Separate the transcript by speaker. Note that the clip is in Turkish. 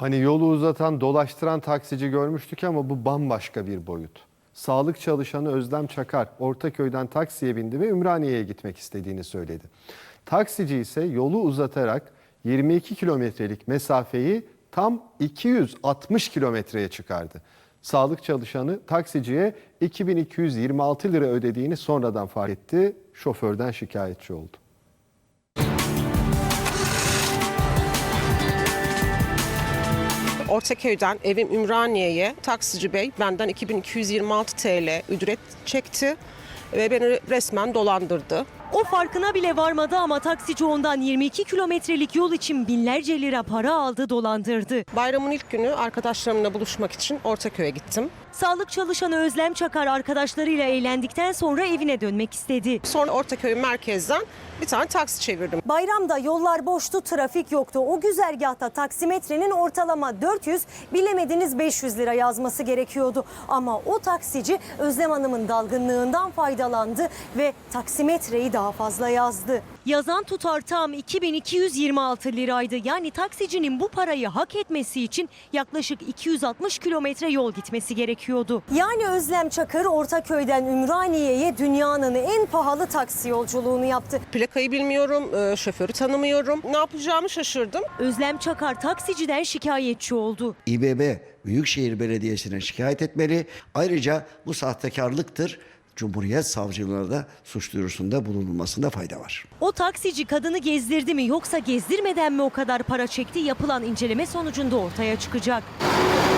Speaker 1: Hani yolu uzatan, dolaştıran taksici görmüştük ama bu bambaşka bir boyut. Sağlık çalışanı Özlem Çakar Ortaköy'den taksiye bindi ve Ümraniye'ye gitmek istediğini söyledi. Taksici ise yolu uzatarak 22 kilometrelik mesafeyi tam 260 kilometreye çıkardı. Sağlık çalışanı taksiciye 2226 lira ödediğini sonradan fark etti. Şoförden şikayetçi oldu.
Speaker 2: Ortaköy'den evim Ümraniye'ye taksici bey benden 2226 TL ücret çekti ve beni resmen dolandırdı.
Speaker 3: O farkına bile varmadı ama taksici ondan 22 kilometrelik yol için binlerce lira para aldı, dolandırdı.
Speaker 2: Bayramın ilk günü arkadaşlarımla buluşmak için Ortaköy'e gittim.
Speaker 3: Sağlık çalışanı Özlem Çakar arkadaşlarıyla eğlendikten sonra evine dönmek istedi.
Speaker 2: Sonra Ortaköy merkezden bir tane taksi çevirdim.
Speaker 3: Bayramda yollar boştu, trafik yoktu. O güzergahta taksimetrenin ortalama 400, bilemediniz 500 lira yazması gerekiyordu. Ama o taksici Özlem Hanım'ın dalgınlığından faydalandı ve taksimetreyi daha fazla yazdı. Yazan tutar tam 2226 liraydı. Yani taksicinin bu parayı hak etmesi için yaklaşık 260 kilometre yol gitmesi gerekiyordu. Yani Özlem Çakır Ortaköy'den Ümraniye'ye dünyanın en pahalı taksi yolculuğunu yaptı.
Speaker 2: Plakayı bilmiyorum, şoförü tanımıyorum. Ne yapacağımı şaşırdım.
Speaker 3: Özlem Çakar taksiciden şikayetçi oldu.
Speaker 4: İBB Büyükşehir Belediyesi'ne şikayet etmeli. Ayrıca bu sahtekarlıktır. Cumhuriyet Savcılığına da suç duyurusunda bulunulmasında fayda var.
Speaker 3: O taksici kadını gezdirdi mi yoksa gezdirmeden mi o kadar para çekti? Yapılan inceleme sonucunda ortaya çıkacak.